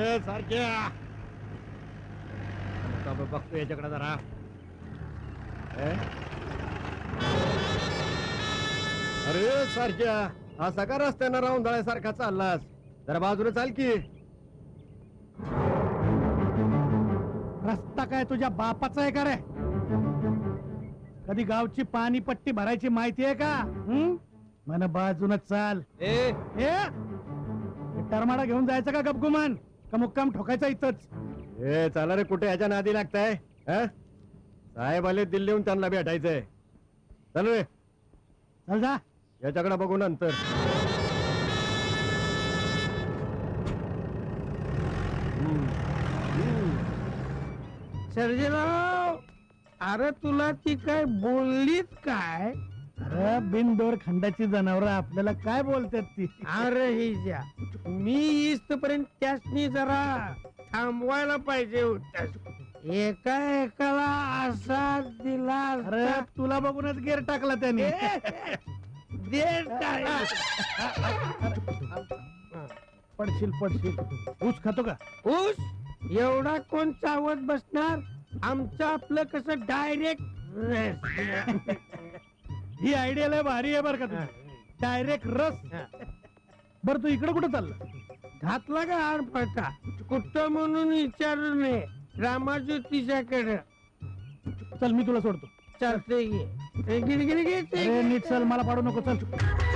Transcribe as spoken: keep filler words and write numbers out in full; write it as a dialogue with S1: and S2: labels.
S1: अरे सारख्या बघतो याच्याकडे जरा. अरे सारख्या असा का रस्त्यानं राहून जाण्यासारखा चाललास? जरा बाजूला चाल की.
S2: रस्ता काय तुझ्या बापाचा आहे का रे? कधी गावची पाणी पट्टी भरायची माहिती आहे का? मन बाजून चाल.
S1: ए
S2: टरमाडा घेऊन जायचं का गपगुमान का मुक्काम ठोकायचा इथंच?
S1: ए चला रे, कुठे ह्याच्या नादी लागताय? साहेब आले दिल्लीहून, त्यांना भेटायचंय. चल रे,
S2: चल जा.
S1: याच्याकडे बघू नंतर.
S3: सर्जेराव, अरे तुला ती काय बोललीत काय?
S2: अरे बिनदोर खंडाची जनावर आपल्याला काय बोलतात ती?
S3: अरे ही ज्या मी इथपर्यंत त्यासनी जरा थांबवायला पाहिजे होत्या. एका एकाला असा दिला.
S2: अरे तुला बघूनच गेर टाकला त्याने.
S3: दे काय
S2: पडशील पडशील. ऊस खातो का?
S3: ऊस एवढा कोण चावत बसणार? आमचं आपलं कसं डायरेक्ट.
S2: ही आयडिया लय भारी आहे बर का तुझी. डायरेक्ट रस. बर तू इकडे कुठं चालला?
S3: घातला का हार पडता? कुठं म्हणून विचारू नये. रामाज्योतीच्याकडे
S2: चल मी तुला सोडतो.
S3: चालतंय.
S2: अरे नीट चल, मला पाडू नको. चल